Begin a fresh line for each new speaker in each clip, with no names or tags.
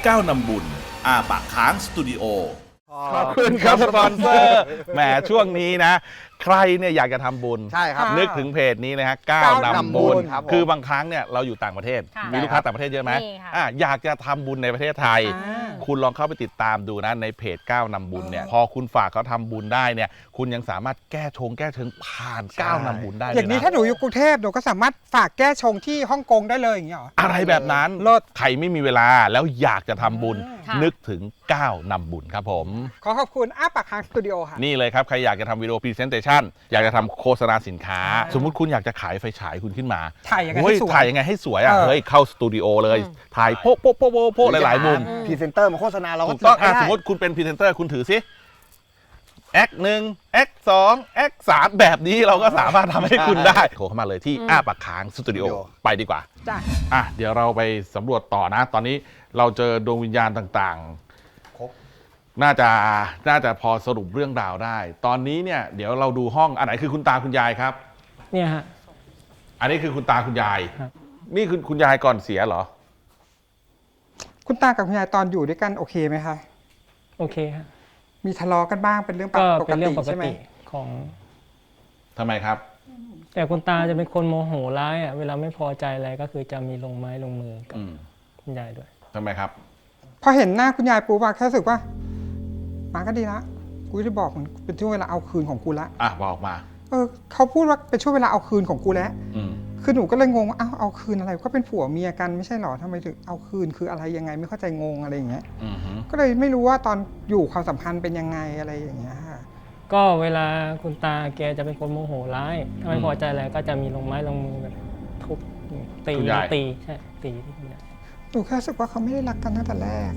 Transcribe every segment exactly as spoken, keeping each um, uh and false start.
ก้าวนำบุญอาปากค้างสตูดิโอ
ขอบคุณครับสปอนเซอร์แหมช่วงนี้นะใครเนี่ยอยากจะทำบุญ
ใช่ครับ
นึกถึงเพจนี้นะฮะก้าวนำบุญ
ครับผม
คือบางครั้งเนี่ยเราอยู่ต่างประเทศ มีลูกค้าต่างประเทศเยอะไหม
มีค่ะ
อ่ะอยากจะทำบุญในประเทศไทย คุณลองเข้าไปติดตามดูนะในเพจก้าวนำบุญเนี่ยพอคุณฝากเขาทำบุญได้เนี่ยคุณยังสามารถแก้ชงแก้เชิงผ่านก้าวนำบุญได้เลย
อย่างนี้
นะ
ถ้าหนูอยู่กรุงเทพหนูก็สามารถฝากแก้ชงที่ฮ่องกงได้เลยอย่างนี้เหรอ
อะไรแบบนั้น
เลิศ
ใครไม่มีเวลาแล้วอยากจะทำบุญ
ค่ะ
นึกถึงก้าวนำบุญครับผม
ขอขอบคุณอ้าปากค้างสตูดิโอค่ะ
นี่เลยครับ ใครอยากจะทำวิดีโอพรีเซนเตชันอยากจะทำโฆษณาสินค้า สมมุติคุณอยากจะขายไฟฉายคุณขึ้นมา
ถ่ายยังไง
เฮ้
ให้สวย
ถ่ายยังไงให้สวยอ่ะ
เออ
เฮ้ยเข้าสตูดิโอเลย ถ่ายโป๊ะโป๊ะโป๊ะโป๊ะโป๊ะหลายๆมุม
พรีเซนเตอร์มาโฆษณาเราก็
ถูกต้อง
จัด
อ่ะ
ให้
สมมติคุณเป็นพรีเซนเตอร์คุณถือซิแอคหนึ่งแอคสองแอคสามแบบนี้เราก็สามารถทำให้คุณได้โทรเข้ามาเลยที่อ้าปากค้างสตูดิโอไปดีกว่า
จ้ะ
อ่ะเดี๋ยวเราไปสำรวจต่อนะ ตอนนี้เราเจอดวงวิญญาณต่างๆ น่าจะน่าจะพอสรุปเรื่องราวได้ ตอนนี้เนี่ยเดี๋ยวเราดูห้องอันไหนคือคุณตาคุณยายครับ
เนี่ยฮะ
อันนี้คือคุณตาคุณยาย
ครับ
นี่คือคุณยายก่อนเสียเหรอ
คุณตากับคุณยายตอนอยู่ด้วยกันโอเคไหมคะ
โอเคฮะ
มีทะเลาะกันบ้างเป็นเรื่องป
ก็
ก
เป็นเรื่
ติ
องปก
ใช่ไหม
ติของ
ทำไมครับ
แต่คุณตาจะเป็นคนโมโหร้ายอ่ะเวลาไม่พอใจอะไรก็คือจะมีลงไม้ลงมือกับ
อืม
คุณยายด้วย
ทำไมครับ
พอเห็นหน้าคุณยายปุ๊บอะแค่รู้สึกว่ามาก็ดีละกูจะบอกมันเป็นช่วงเวลาเอาคืนของกูละ
อ่ะบอกมา
เออเขาพูดว่าเป็นช่วงเวลาเอาคืนของกูแล้ว
อืม
คือหนูก็เลยงงว่าอ้าวเอาคืนอะไรก็เป็นผัวเมียกันไม่ใช่หรอทำไมถึงเอาคืนคืออะไรยังไงไม่เข้าใจงงอะไรอย่างเงี้ย
อืมฮึ
ก็เลยไม่รู้ว่าตอนอยู่ความสัมพันธ์เป็นยังไงอะไรอย่างเงี้ยค่ะ
ก็เวลาคุณตาแกจะเป็นคนโมโหร้ายถ้าไม่พอใจอะไรก็จะมีลงไม้ลงมือแบบทุบตีตีใช่ตีที่คุณยาย
หนูแค่รู้สึกว่าเขาไม่ได้รักกันตั้งแต่แรก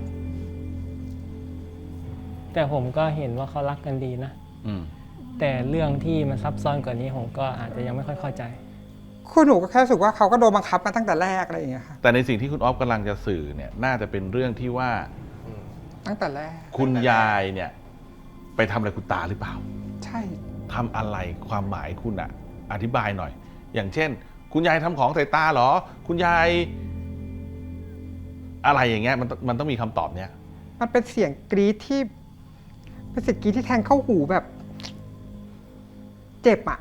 แต่ผมก็เห็นว่าเขารักกันดีนะ
อืม
แต่เรื่องที่มันซับซ้อนกว่านี้ผมก็อาจจะยังไม่ค่อยเข้าใจ
คือหนูก็แค่รู้สึกว่าเขาก็โดนบังคับมาตั้งแต่แรกอะไรอย่างเงี้ยค่ะ
แต่ในสิ่งที่คุณออฟกำลังจะสื่อเนี่ยน่าจะเป็นเรื่องที่ว่า
ตั้งแต่แรก
คุณยายเนี่ยไปทำอะไรคุณตาหรือเปล่า
ใช่
ทำอะไรความหมายคุณอะอธิบายหน่อย อย่างเช่น คุณยายทำของใส่ตาเหรอ คุณยาย อะไรอย่างเงี้ยมันมันต้องมีคำตอบเนี้ย
มันเป็นเสียงกรี๊ดที่เป็นเสียงกรี๊ดที่แทงเข้าหูแบบ เจ็บอะ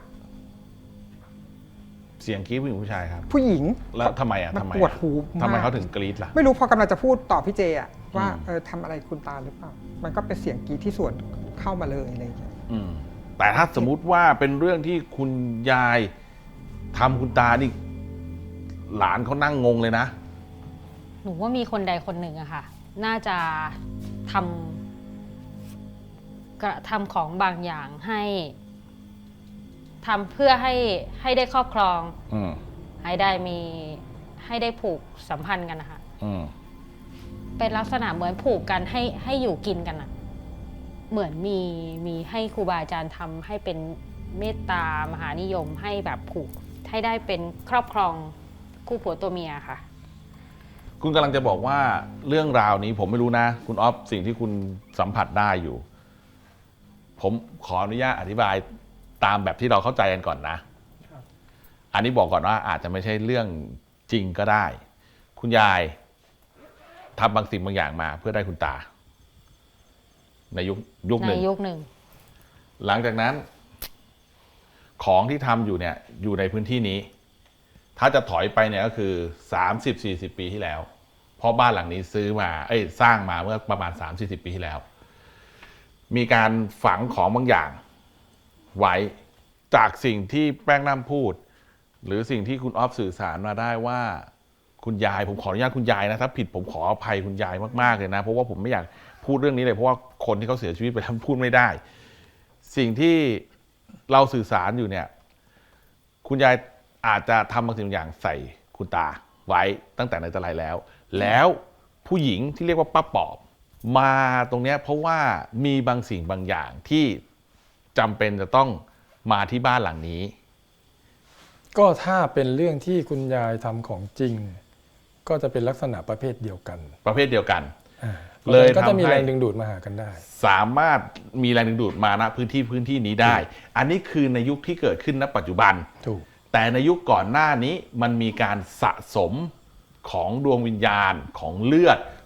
เสียงกรี๊ดผู้หญิงผู้ชายครับ
ผู้หญิง
แล้วทำไมอะ
มัน
ทำไม
ปวด
อะ
หูมาก
ทำไมเขาถึงกรี๊ดล่ะ
ไม่รู้พอกำลังจะพูดต่อพี่เจอะว่า
อืม
เออทำอะไรคุณตาหรือเปล่า มันก็เป็นเสียงกรี๊ดที่สวนเข้ามาเลยอะไรอย่างเงี้ย
อืมแต่ถ้าสมมุติว่าเป็นเรื่องที่คุณยายทำคุณตานี่หลานเขานั่งงงเลยนะ
หนูว่ามีคนใดคนหนึ่งอะค่ะ น่าจะทำกระทำของบางอย่างให้ทำเพื่อให้ให้ได้ครอบครอง
อืม
ให้ได้มีให้ได้ผูกสัมพันธ์กันนะคะ
อืม
เป็นลักษณะเหมือนผูกกันให้ให้อยู่กินกันอะเหมือนมีมีให้ครูบาอาจารย์ทำให้เป็นเมตตามหานิยมให้แบบผูกให้ได้เป็นครอบครองคู่ผัวตัวเมียค่ะ
คุณกำลังจะบอกว่าเรื่องราวนี้ผมไม่รู้นะ คุณออฟสิ่งที่คุณสัมผัสได้อยู่ ผมขออนุญาตอธิบายตามแบบที่เราเข้าใจกันก่อนนะ อันนี้บอกก่อนว่าอาจจะไม่ใช่เรื่องจริงก็ได้ คุณยายทำบางสิ่งบางอย่างมาเพื่อได้คุณตา ในยุคยุคห
ใน
นึ่ง
ยุคหนึ่ง
หลังจากนั้น ของที่ทำอยู่เนี่ยอยู่ในพื้นที่นี้ ถ้าจะถอยไปเนี่ยก็คือ สามสิบสี่สิบ ปีที่แล้ว เพราะบ้านหลังนี้ซื้อมาเอ้ยสร้างมาเมื่อประมาณ สามสี่สิบ ปีที่แล้ว มีการฝังของบางอย่างไว้จากสิ่งที่แป้งน้ำพูด หรือสิ่งที่คุณออฟสื่อสารมาได้ว่า คุณยายผมขออนุญาตคุณยายนะถ้าผิดผมขออภัยคุณยายมากๆเลยนะเพราะว่าผมไม่อยากพูดเรื่องนี้เลยเพราะว่าคนที่เขาเสียชีวิตไปแล้วพูดไม่ได้ สิ่งที่เราสื่อสารอยู่เนี่ย คุณยายอาจจะทำบางสิ่งบางอย่างใส่คุณตาไว้ตั้งแต่ในแต่ไรแล้ว แล้วผู้หญิงที่เรียกว่าป้าปอบมาตรงเนี้ยเพราะว่ามีบางสิ่งบางอย่างที่จำเป็นจะต้องมาที่บ้านหลังนี้
ก็ถ้าเป็นเรื่องที่คุณยายทำของจริง ก็จะเป็นลักษณะประเภทเดียวกัน
ประเภทเดียวกัน
อ่า
เลย
ก็จะมี
ทำให้
แรงดึงดูดมาหากันได้
สามารถมีแรงดึงดูดมาณพื้นที่พื้นที่นี้ได้ อันนี้คือในยุคที่เกิดขึ้นณปัจจุบัน
ถูก
แต่ในยุคก่อนหน้านี้มันมีการสะสมของดวงวิญญาณของเลือด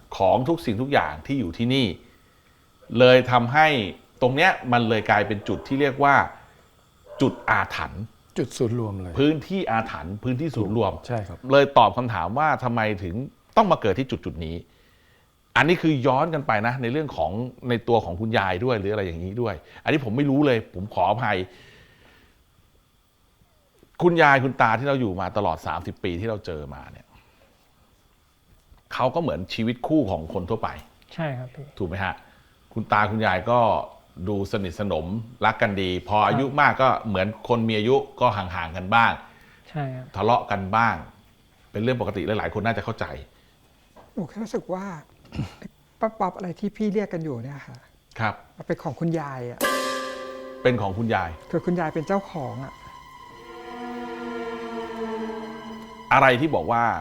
ของทุกสิ่งทุกอย่างที่อยู่ที่นี่ เลยทำให้ตรงเนี้ยมันเลยกลายเป็นจุดที่เรียกว่าจุดอาถรรพ์
จุดศูนย์รวมเลย
พื้นที่อาถรรพ์พื้นที่ศูนย์รวม
ใช่ครับ
เลยตอบคำถามว่าทำไมถึงต้องมาเกิดที่จุดจุดนี้ อันนี้คือย้อนกันไปนะในเรื่องของในตัวของคุณยายด้วยหรืออะไรอย่างนี้ด้วย อันนี้ผมไม่รู้เลย ผมขออภัย คุณยายคุณตาที่เราอยู่มาตลอดสามสิบปีที่เราเจอมาเนี่ยเขาก็เหมือนชีวิตคู่ของคนทั่วไป
ใช่ครับพี่
ถูกไหมฮะคุณตาคุณยายก็ดูสนิทสนมรักกันดี พออายุมากก็เหมือนคนมีอายุก็ห่างๆกันบ้าง
ใช่ครับ
ทะเลาะกันบ้าง เป็นเรื่องปกติหลายๆคนน่าจะเข้าใจ
หนูแค่รู้สึกว่า ป๊อปป๊อปอะไรที่พี่เรียกกันอยู่เนี่ยค่ะ
ครับ
มันเป็นของคุณยายอ่ะ
เป็นของคุณยาย
คือคุณยายเป็นเจ้าของอ่ะ
อะไรที่บอกว่า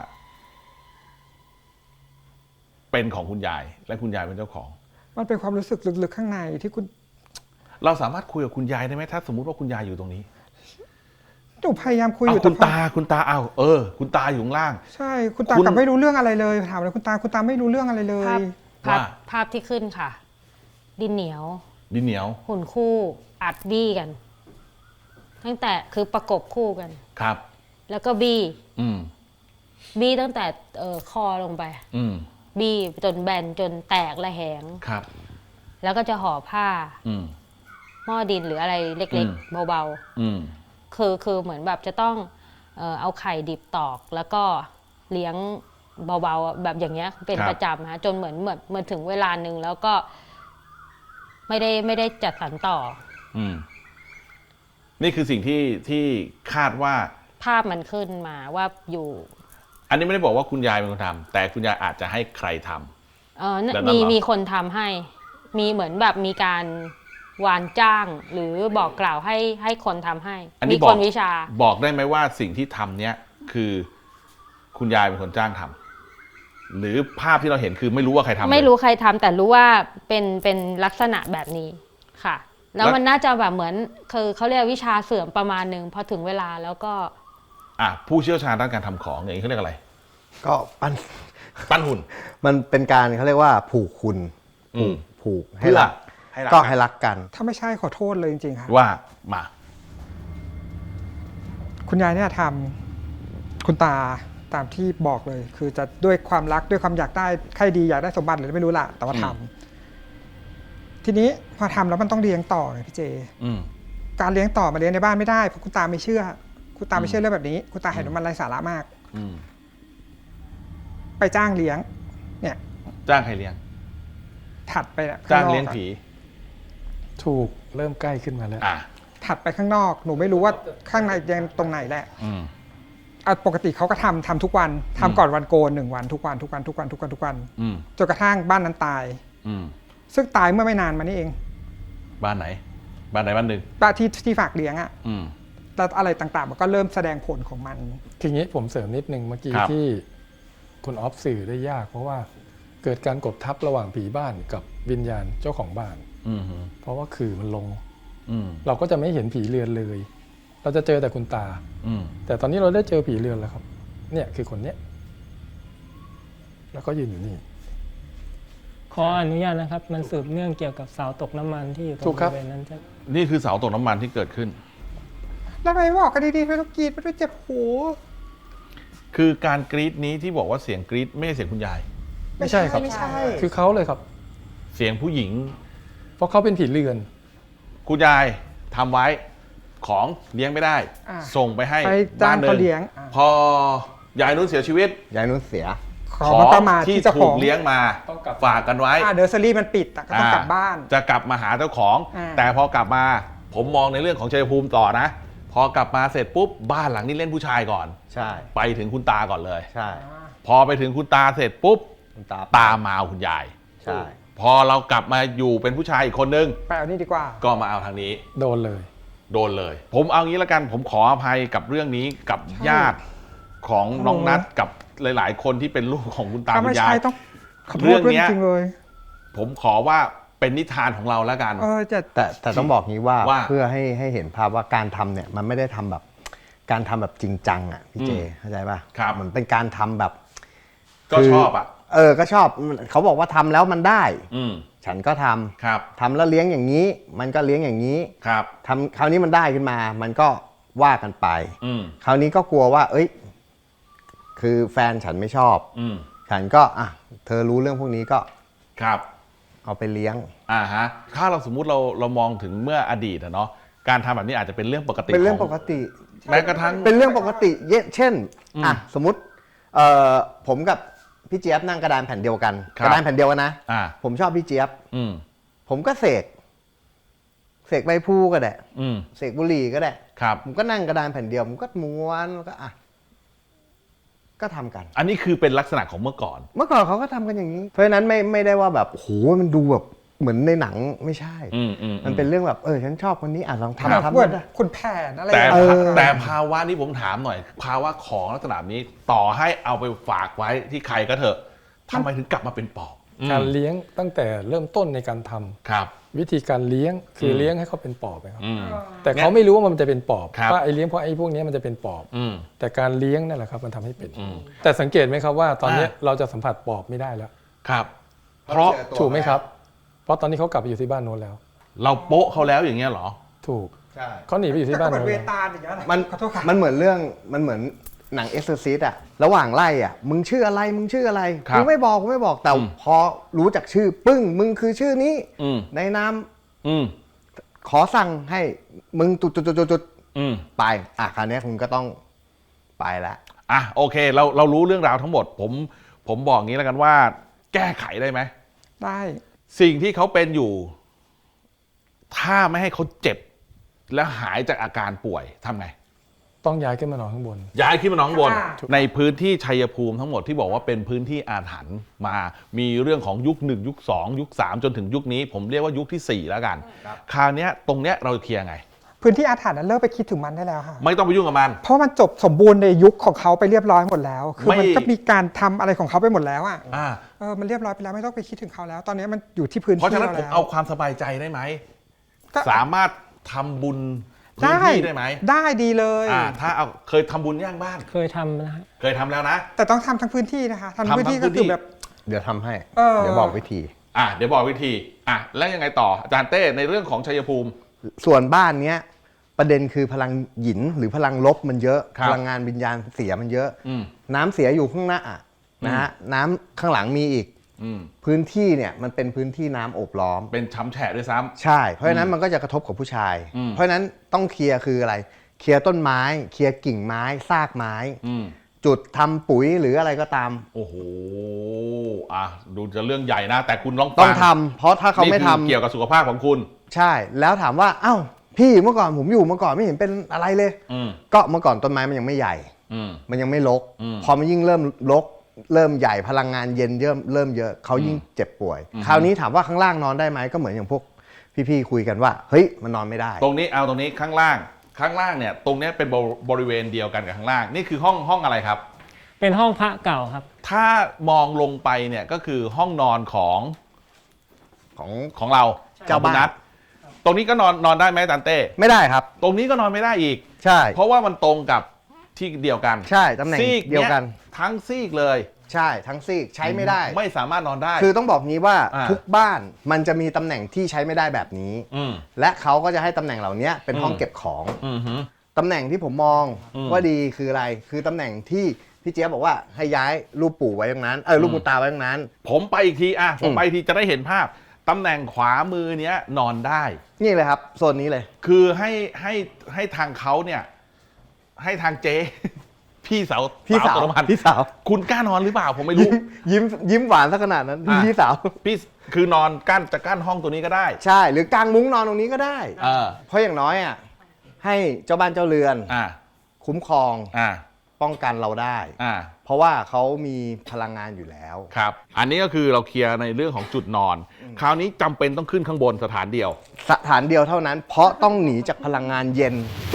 เป็นของคุณยาย และคุณยายเป็นเจ้าของ
มันเป็นความรู้สึกลึกๆข้างในที่คุณ
เราสามารถคุยกับคุณยายได้ไหมถ้าสมมุติว่าคุณยายอยู่ตรงนี้
หนูพยายามคุยอ
เอา
ยู่
คุณ
แต่พอ
ตาคุณตาเอาเออ คุณตาอยู่ข้างล่าง
ใช่คุณตา
คุณ
กลับไม่รู้เรื่องอะไรเลยถามเลยคุณตาคุณตาไม่รู้เรื่องอะไรเล
ภาพ
ย
ภาพ
ว่า
ภาพที่ขึ้นค่ะ ดินเหนียว
ดินเหนียว
หุ่นคู่อัดบี้กัน ตั้งแต่คือประกบคู่กัน
ครับ
แล้วก็บี้
อืม
บี้ตั้งแต่เอ่อคอลงไป
อืม
บี้จนแบนจนแตกระแหง
ครับ
แล้วก็จะห่อผ้า
อืม
หม้อดินหรืออะไรเล็ก
อืม
ๆ เบา
อืม
ๆ คือคือเหมือนแบบจะต้องเอ่อเอาไข่ดิบตอก แล้วก็เลี้ยงเบาๆแบบอย่างเงี้ยเป็น
ครับ
ประจำฮะจนเหมือนเหมือนเหมือนถึงเวลาหนึ่งแล้วก็ ไม่ได้ไม่ได้จัดสรรต่อ
อืม นี่คือสิ่งที่ที่คาดว่า
ภาพมันขึ้นมาว่าอยู่
อันนี้ไม่ได้บอกว่าคุณยายเป็นคนทำแต่คุณยายอาจจะให้ใครทำ
เออ
แบบนั้น
มี
เหรอ
มีคนทำให้ มีเหมือนแบบมีการวานจ้าง หรือบอกกล่าวให้ให้คนทำให้
อัน
มี
นี้บ
ค
อก
นวิชา
บอกได้ไหมว่าสิ่งที่ทำเนี้ยคือคุณยายเป็นคนจ้างทำหรือภาพที่เราเห็นคือไม่รู้ว่าใครทำเลย
ไม่รู้ใครทำแต่รู้ว่าเป็นเป็นลักษณะแบบนี้ค่ะ แล้ว
แล้ว
มันน่าจะแบบเหมือนคือเขาเรียกวิชาเสื่อมประมาณหนึ่งพอถึงเวลาแล้วก็
อ่ะผู้เชี่ยวชาญด้านการทำของอย่างนี้เขาเรียกอะไร
ก็ปั้น
ปั้นหุ่น
มันเป็นการเขาเรียกว่าผูกคุณ
อืม
ผูกให้
เพื่อ
รัก
ให้รัก
ก็
กัน
ให้รักกัน
ถ้าไม่ใช่ขอโทษเลยจริงๆค่ะ
ว่ามา
คุณยายเนี่ยทำคุณตาตามที่บอกเลย คือจะด้วยความรักด้วยความอยากได้ใครดีอยากได้สมบัติหรือไม่รู้ละแต่ว่าทำทีนี้พอทำแล้วมันต้องเลี้ยงต่อไงพี่เจ
อืม
การเลี้ยงต่อมาเลี้ยงในบ้านไม่ได้เพราะคุณตาไม่เชื่อ คุณตาไม่เชื่อเรื่องแบบนี้ คุณตาเห็นว่ามันไร้สาระมาก
อืม
ไปจ้างเลี้ยง เนี่ย
จ้างใครเลี้ยง
ถัดไปอะ
จ้าง
ข้นอก
เลี้ยงผี
ถูกเริ่มใกล้ขึ้นมาแล้ว
อ่ะ
ถัดไปข้างนอกหนูไม่รู้ว่าข้างในยังตรงไหนแหละ
อืม
อ่ะปกติเขาก็ทำทำทุกวันทำก่อนวันโกนหนึ่งวันทุกวันทุกวันทุกวันทุกวันทุกวัน
อืม
จนกระทั่งบ้านนั้นตาย
อืม
ซึ่งตายเมื่อไม่นานมานี่เอง
บ้านไหน บ้านไหนบ้านหนึ่ง
บ้านที่ที่ฝากเลี้ยงอะ
อืม
แล้วอะไรต่างๆ มันก็เริ่มแสดงผลของมัน
ทีนี้ผมเสริมนิดนึงเมื่อกี้
ครับ
ที่คุณออฟสื่อได้ยาก เพราะว่าเกิดการกดทับระหว่างผีบ้านกับวิญญาณเจ้าของบ้าน
อืม
เพราะว่าขื่อมันลง
อืม
เราก็จะไม่เห็นผีเรือนเลย เราจะเจอแต่คุณตา
อืม
แต่ตอนนี้เราได้เจอผีเรือนแล้วครับ เนี่ยคือคนเนี้ยแล้วก็ยืนอยู่นี่
ขออนุญาตนะครับ มันสืบเนื่องเกี่ยวกับเสาตกน้ำมันที่อยู่ตร
ถู
ง
ก
บ
ครับ
ริเวณนั้นใช่
นี่คือเสาตกน้ำมันที่เกิดขึ้น
แล้วทำไมบอกกันดีๆไม่ต้องกรีดไม่ต้องเจ็บหู
คือการกรี๊ดนี้ที่บอกว่าเสียงกรี๊ดไม่ใช่เสียงคุณยาย
ไม่ใช่ครับ
ไม่ใช่
คือเขาเลยครับ
เสียงผู้หญิง
เพราะเขาเป็นผีเรือน
คุณยายทำไว้ของเลี้ยงไม่ได้
อ่า
ส่งไปให้
ไปจ้าง
บ้นหนึ่
เขาเลี้ยงอ่า
พอยายนุ่นเสียชีวิต
ยายนุ่นเสีย
ขอมันก็มา
ที่
ที่เจ้าข
ถู
อก ง
เลี้ยงมา
ต้องกลับ
ฝากกันไว้
อ่าเดอร์เซอรี่มันปิดอะก็ต้องกลับบ้าน
จะกลับมาหาเจ้าของ
อ่า
แต่พอกลับมาผมมองในเรื่องของชัยภูมิต่อนะ พอกลับมาเสร็จปุ๊บบ้านหลังนี้เล่นผู้ชายก่อน
ใช่
ไปถึงคุณตาก่อนเลย
ใช่
พอไปถึงคุณตาเสร็จปุ๊บ
คุณตา
ตามมาเอาคุณยาย
ใช่
พอเรากลับมาอยู่เป็นผู้ชายอีกคนนึง
ไปเอานี่ดีกว่า
ก็มาเอาทางนี้
โดนเลย
โดนเลย ผมเอางี้ละกัน ผมขออภัยกับเรื่องนี้กับ
ใช่
ญาติของน้อง
โอ้
นัทกับหลาย ๆ คนที่เป็นลูกของคุณตา
ถ้า
คุ
ไม่
ณยา
ใช่
ย
ต้องขอโท
เรื่
ษ
อง
ด้วย
เนี้ย
จริงๆเลย
ผมขอว่าเป็นนิทานของเราแล้วกัน
เออจะ
แต่แต่ต้องบอกงี้ว่า
ว่า
เพื่อให้ให้เห็นภาพว่าการทำเนี่ยมันไม่ได้ทำแบบการทำแบบจริงจังอ่ะพี่เจ
อืม
เข้าใจป่ะ
ครับ
เหมือนเป็นการทำแบบ
ก็
คือ
ชอบอ่ะ
เออก็ชอบเขาบอกว่าทำแล้วมันได้
อืม
ฉันก็ทำ
ครับ
ทำแล้วเลี้ยงอย่างนี้ มันก็เลี้ยงอย่างนี้
ครับ
ทำคราวนี้มันได้ขึ้นมา มันก็ว่ากันไป
อืม
คราวนี้ก็กลัวว่า เอ้ย คือแฟนฉันไม่ชอบ
อืม
ฉันก็อ่ะเธอรู้เรื่องพวกนี้ก็
ครับ
เอาไปเลี้ยง
อ่าฮะถ้าเราสมมุติเราเรามองถึงเมื่ออดีตอะเนาะการทำแบบนี้อาจจะเป็นเรื่องปกติ
เป็นเรื่อง
ข
ปกติ
แม้กระทั่ง
เป็นเรื่องปกติเยเช่น
อืม
อ่ะสมมติเอ่อผมกับพี่เจี๊ยบนั่งกระดานแผ่นเดียวกัน
ครับ
กระดานแผ่นเดียวกันนะ
อ่า
ผมชอบพี่เจี๊ยบ
อืม
ผมก็เสกเสกใบพลูก็ได้
อืม
เสกบุหรี่ก็ได้
ครับ
ผมก็นั่งกระดานแผ่นเดียวผมก็ม้วนแล้วก็อ่ะก็ทำกัน
อันนี้คือเป็นลักษณะของเมื่อก่อน
เมื่อก่อนเขาก็ทำกันอย่างนี้ เพราะฉะนั้นไม่ไม่ได้ว่าแบบโหมันดูแบบเหมือนในหนังไม่ใช่
อืมอืม
มันเป็นเรื่องแบบเออฉันชอบคนนี้อ่ะลอง
แบบ
ทำทำ
เหมือน
ได้
คุณแผนอะไร
แต่
อย่าง
เอ
เงี้ย
อ
แต่ภาวะนี้ผมถามหน่อย ภาวะของลักษณะนี้ต่อให้เอาไปฝากไว้ที่ใครก็เถอะทำไมถึงกลับมาเป็นปอบ
การเลี้ยงตั้งแต่เริ่มต้นในการทำ
ครับ
วิธีการเลี้ยงคืออ
ม
เลี้ยงให้เขาเป็นปอบนะครับ
อืม
แต่เขาไม่รู้ว่ามันจะเป็นปอบ
ครับ
ว่าไอ้เลี้ยงเพราะไอ้พวกนี้มันจะเป็นปอบ
อืม
แต่การเลี้ยงนั่นแหละครับมันทำให้เป็น
อืม
แต่สังเกตไหมครับว่าตอนนี้
อ่า
เราจะสัมผัสปอบไม่ได้แล้ว
ครับ เพราะ
ถูกไหมครับ เพราะตอนนี้เขากลับไปอยู่ที่บ้านโน้นแล้ว
เราโป๊ะเขาแล้วอย่างเงี้ยเหรอ
ถูก
ใช่
เขาหนีไปอยู่ที่
แต่
บ้าน
เหมือน
โน้น
เว
แล้ว
ตาลอย่างเงี้ยนะ
มัน
ขอโทษค่ะ
มันเหมือนเรื่องมันเหมือนหนังเอ็กซ์ซิสอะระหว่างไล่อะมึงชื่ออะไรมึงชื่ออะไร
ครับ
กูไม่บอกกูไม่บอกแต่
อืม
พอรู้จักชื่อปึ้งมึงคือชื่อนี้
อืม
ในนาม
อืม
ขอสั่งให้มึงจุดจุดจุดจุด
อืม
ไปอ่ะคราวนี้คุณก็ต้องไปละ
อ่ะโอเคเราเรารู้เรื่องราวทั้งหมด ผมผมบอกงี้แล้วกันว่า แก้ไขได้ไหม
ได้
สิ่งที่เขาเป็นอยู่ ถ้าไม่ให้เขาเจ็บ แล้วหายจากอาการป่วยทำไง
ต้องย้ายขึ้นมานอนข้างบน
ย้ายขึ้นมาหนองบน
อ่า
ในพื้นที่ชัยภูมิทั้งหมดที่บอกว่าเป็นพื้นที่อาถรรพ์มา มีเรื่องของยุคหนึ่งยุคสองยุคสามจนถึงยุคนี้ ผมเรียกว่ายุคที่สี่แล้วกัน คราวเนี้ยตรงเนี้ยเราเคลียร์ไง
พื้นที่อาถรรพ์นั้นเลิกไปคิดถึงมันได้แล้วค่ะ
ไม่ต้องไปยุ่งกับมัน
เพราะมันจบสมบูรณ์ในยุคของเขาไปเรียบร้อยหมดแล้ว คือ
ไม่
มันก็มีการทำอะไรของเขาไปหมดแล้วอ่ะ
อ่า
เออมันเรียบร้อยไปแล้วไม่ต้องไปคิดถึงเขาแล้ว ตอนนี้มันอยู่ที่พื้น
เพราะ
ที่
ฉะนั้น
เรา
ผม
แล้ว
เอาความสบายใจได้ไหม
ก็
สามารถทำบุญพื้น
ได้
ที่ได้ไหม
ได้ดีเลย
อ่าถ้าเอาเคยทำบุญย่างบ้าน
เคยทำนะฮะ
เคยทำแล้วนะ
แต่ต้องทำทั้งพื้นที่นะคะทำทั้ง
ทำ
พื้นที่
ทั้
ก็
งพื้นที่
คือแบบ
เดี๋ยวทำให้
เออ
เดี๋ยวบอกวิธี
อ่ะเดี๋ยวบอกวิธีอ่ะแล้วยังไงต่ออาจารย์เต้ในเรื่องของชัยภูมิ
ส่วนบ้านเนี้ยประเด็นคือพลังหยินหรือพลังลบมันเยอะ
ครับ
พลังงานวิญญาณเสียมันเยอะ
อืม
น้ำเสียอยู่ข้างหน้าอะนะฮะน้ำข้างหลังมีอีก
อืม
พื้นที่เนี่ยมันเป็นพื้นที่น้ำโอบล้อม
เป็นช้ำแฉะด้วยซ้ำ
ใช่ เพราะฉะนั้นมันก็จะกระทบกับผู้ชาย
อืม
เพราะฉะนั้นต้องเคลียร์คืออะไร เคลียร์ต้นไม้ เคลียร์กิ่งไม้ ซากไม้
อืม
จุดทำปุ๋ยหรืออะไรก็ตาม
โอ้โหอ่ะดูจะเรื่องใหญ่นะ แต่คุณลอง
ต้
ฟั
องทำเพราะถ้าเขาไม่
นี่
ทำ
คือเกี่ยวกับสุขภาพของคุณ
ใช่ แล้วถามว่าเอ้าพี่เมื่อก่อนผมอยู่เมื่อก่อนไม่เห็นเป็นอะไรเลย
อืม
ก็เมื่อก่อนต้นไม้มันยังไม่ใหญ่
อืม
มันยังไม่รก
อืม
พอมันยิ่งเริ่มรก เริ่มใหญ่พลังงานเย็นเริ่มเริ่มเยอะเขายิ่งเจ็บป่วย
อืม
คราวนี้ถามว่าข้างล่างนอนได้ไหมก็เหมือนอย่างพวกพี่ๆคุยกันว่าเฮ้ยมันนอนไม่ได้
ตรงนี้เอาตรงนี้ข้างล่าง ข้างล่างเนี่ย ตรงเนี้ยเป็นบริเวณเดียวกันกับข้างล่าง นี่คือห้องห้องอะไรครับ
เป็นห้องพระเก่าครับ
ถ้ามองลงไปเนี่ยก็คือห้องนอนของ
ของ
ของเรา
เจ้าบ้าน
ของคุณนัทตรงนี้ก็นอนนอนได้ไหมอาจารย์เต้
ไม่ได้ครับ
ตรงนี้ก็นอนไม่ได้อีก
ใช่
เพราะว่ามันตรงกับที่เดียวกัน
ใช่ตำแหน่ง
ซีก
เดียวกัน
ทั้งซีกเลย
ใช่ทั้งซีกใช้ไม่ได้
ไม่สามารถนอนได้
คือต้องบอกงี้ว่า
อ่า
ทุกบ้านมันจะมีตำแหน่งที่ใช้ไม่ได้แบบนี้
อืม
และเขาก็จะให้ตำแหน่งเหล่านี้เป็นห้อง
อืม
เก็บของ
อืมฮึ
ตำแหน่งที่ผมมอง
อืม
ว่าดีคืออะไร คือตำแหน่งที่พี่เจี๊ยบบอกว่าให้ย้ายรูปปู่ไว้ตรงนั้นเออรูป
อืม
คุณตาไว้ตรงนั้น
ผมไปอีกทีอ่ะผม
อืม
ไปอีกทีจะได้เห็นภาพตำแหน่งขวามือเนี้ยนอนได้
นี่เลยครับโซนนี้เลย
คือให้ให้ให้ทางเขาเนี่ย ให้ทางเจ๊ พี่สาว
พี่สาว
ตรพันธ์
พี่สาว
คุณกล้านอนหรือเปล่าผมไม่รู้
ยิ้มยิ้มหวานสักขนาดนั้น
อ่ะ
พี่สาว
พี่คือนอนกั้นจะกั้นห้องตัวนี้ก็ได้
ใช่หรือกางมุ้งนอนตรงนี้ก็ได้
เออ
เพราะอย่างน้อยอ่ะให้เจ้าบ้านเจ้าเรือน
อ่า
คุ้มครอง
อ่า
ป้องกันเราได้
อ่า
เพราะว่าเขามีพลังงานอยู่แล้ว
ครับ อันนี้ก็คือเราเคลียร์ในเรื่องของจุดนอน คราวนี้จำเป็นต้องขึ้นข้างบนสถานเดียว
สถานเดียวเท่านั้น เพราะต้องหนีจากพลังงานเย็น